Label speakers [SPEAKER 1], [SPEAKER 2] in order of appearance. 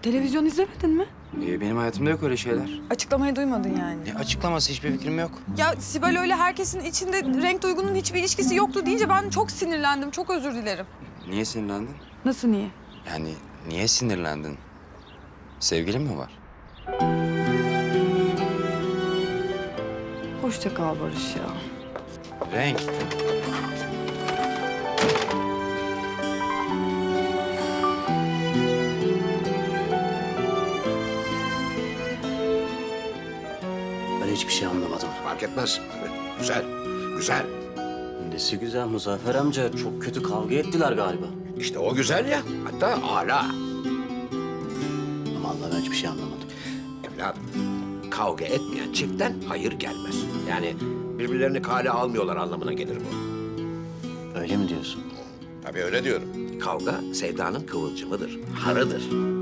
[SPEAKER 1] Televizyon izlemedin mi?
[SPEAKER 2] Benim hayatımda yok öyle şeyler.
[SPEAKER 1] Açıklamayı duymadın yani.
[SPEAKER 2] Ne açıklaması, hiçbir fikrim yok.
[SPEAKER 1] Ya Sibel öyle herkesin içinde renk duygunun hiçbir ilişkisi yoktu deyince ben çok sinirlendim. Çok özür dilerim.
[SPEAKER 2] Niye sinirlendin?
[SPEAKER 1] Nasıl niye?
[SPEAKER 2] Yani niye sinirlendin? Sevgilin mi var?
[SPEAKER 1] Hoşça kal Barış ya.
[SPEAKER 2] Renk.
[SPEAKER 3] Ben hiçbir şey anlamadım.
[SPEAKER 4] Fark etmez. Güzel, güzel.
[SPEAKER 3] Nesi güzel Muzaffer amca. Çok kötü kavga ettiler galiba.
[SPEAKER 4] İşte o güzel ya. Hatta âlâ.
[SPEAKER 3] Vallahi ben hiçbir şey anlamadım.
[SPEAKER 4] Evladım, kavga etmeyen çiftten hayır gelmez. Yani birbirlerini kale almıyorlar anlamına gelir bu.
[SPEAKER 3] Öyle mi diyorsun?
[SPEAKER 4] Tabii öyle diyorum. Kavga sevdanın kıvılcımıdır, harıdır.